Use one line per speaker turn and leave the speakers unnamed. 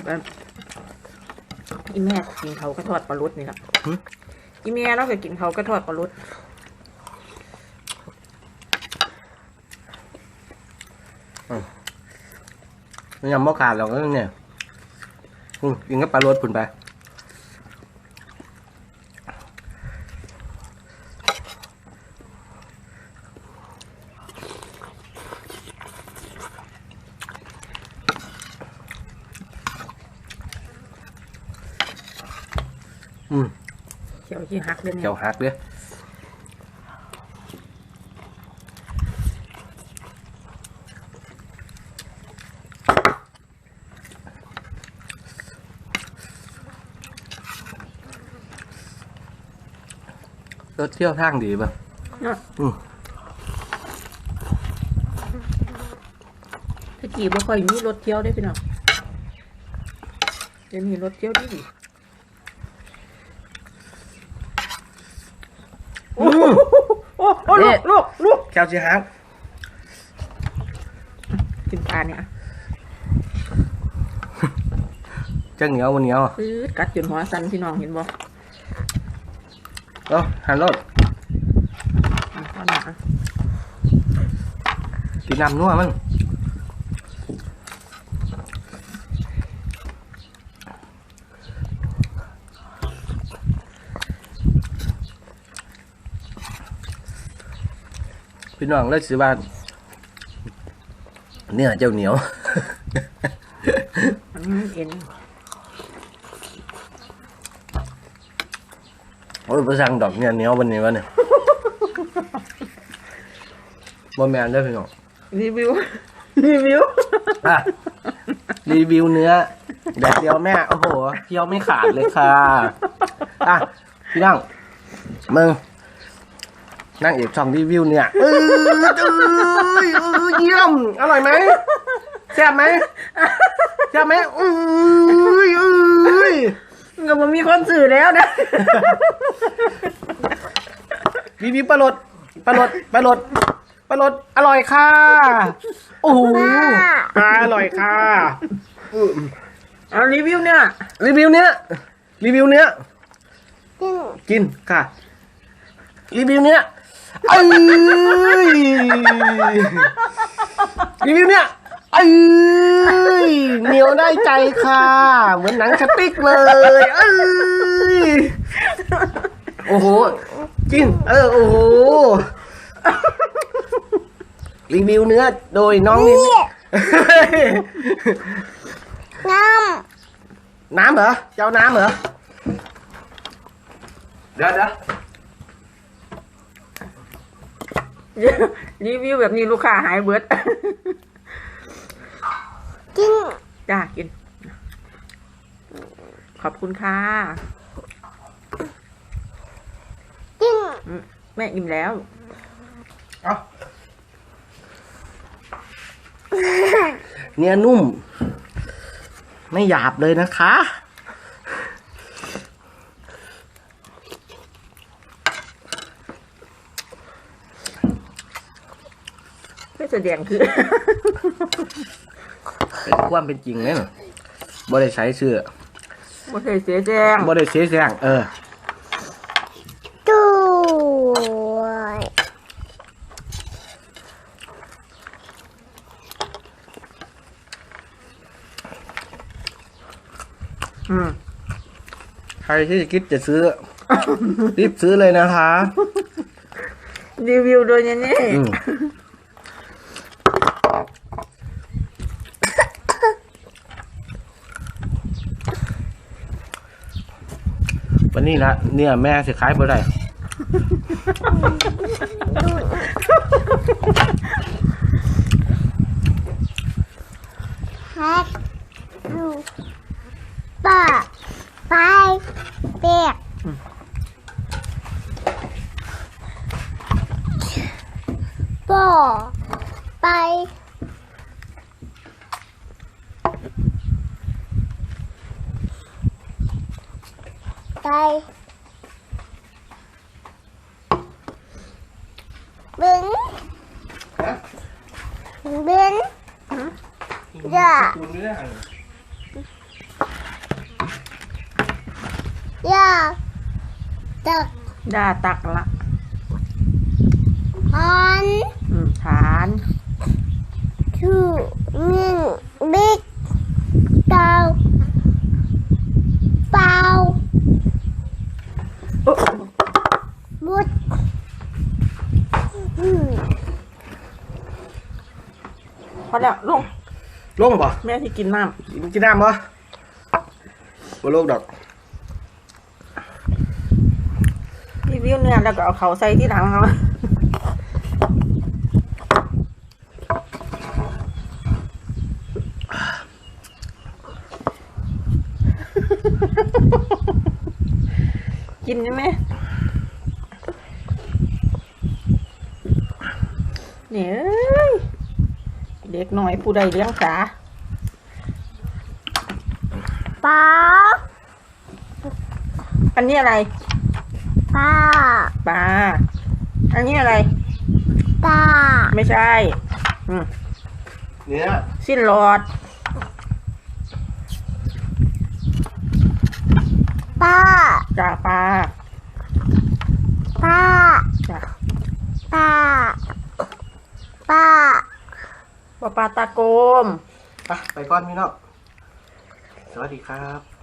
แบบอีแม่กินเขาก็ทอดปลาลุดนี่แหละอีแม่เราก็กินเขาก็ทอดปลาลุด
ยังไม่ขาดหรอกเนี่ยกินกับปลาโรดผุนไป
เขียวที่หักเลยเนี่ย
เขียวหักเลยรถเที่ยวทางดีป่ะ
ถ้ากี่บ่ค่อยมีรถเที่ยวได้พี่น้องจะมีรถเที่ยวดีโอ้ลูก
แก้วจีฮัก
กินปลาเนี่ย
จังเหนียววันเหนียว
กัดจนหัวสั่นพี่น้องเห็นบ่
หันรถกินน้ำนัวมันพี่น้องเลยสิว่าเนี่ยเจ้าเหนียว
เอ็น
โอ้ยประสังดอกเนี่ยเหนียววันนี้วะเนี่ยบอแมนได้พี่น้อง
รีวิว
รีวิวเนื้อแดดเดียวแม่โอ้โหเคี้ยวไม่ขาดเลยค่ะพี่น้องมึงนั่งเอกช่องรีวิวเนี่ยเยี่ยมอร่อยไหมแซ่บไหม
ก็มันมีคนสื่อแล้วนะ
รีวิวปลาลดอร่อยค่ะโอ้โหอร่อยค่ะ
เอารีวิวเนี้ย
กินค่ะรีวิวเนี้ยรีวิวเนี้ยเหนียวได้ใจค่ะเหมือนหนังสติ๊กเลยโอ้โหกินโอ้โหรีวิวเนื้อโดยน้องนี่น้ำเหรอเจ้าน้ำเหรอเดี๋ยว
รีวิวแบบนี้ลูกค้าหายเบิด
กิน
จ้ากินขอบคุณค่ะ
กิน
แม่อิ่มแล้ว
เนี่ยนุ่มไม่หยาบเลยนะคะ
ไม่แสดงคือ
เป็นความเป็นจริงเลยบ่ได้ใช้เสื้อ
บ่ได้เสียแซง
ใครที่คิดจะซื้อรีบซื้อเลยนะคะ
รีวิวโดยนี่
วันนี้นะเนี่ยแม่สิขายบ่ได้
ป้าไปเปียกป้าไปบึ้งจ้าตัก
ด่าตักละ
หัน
ฐาน
ชูมิงบิ๊กเตาเปล่าบุด
พอแล้วลง
ลงป่ะ
แม่ที่กินน้
กินน้ำป่ะบ่ลงดอก
ำรีวิวเนี่ยแล้วก็เอาเขาใส่ที่หลังเขา กินใช่ไหมเนี่ยเด็กหน่อยผู้ใดเลี้ยงสา
เปล่า
อันนี้อะไร
ปลา
ปลาอันนี้อะไร
ปลา
ไม่ใช่อืม
เนื้อ
สิ้นหลอด
ปลา
จ้าปลา
ปลา
จ้า
ปลาปลา
ปลาตาโกม
ไปก่อนพี่น้องสวัสดีครับ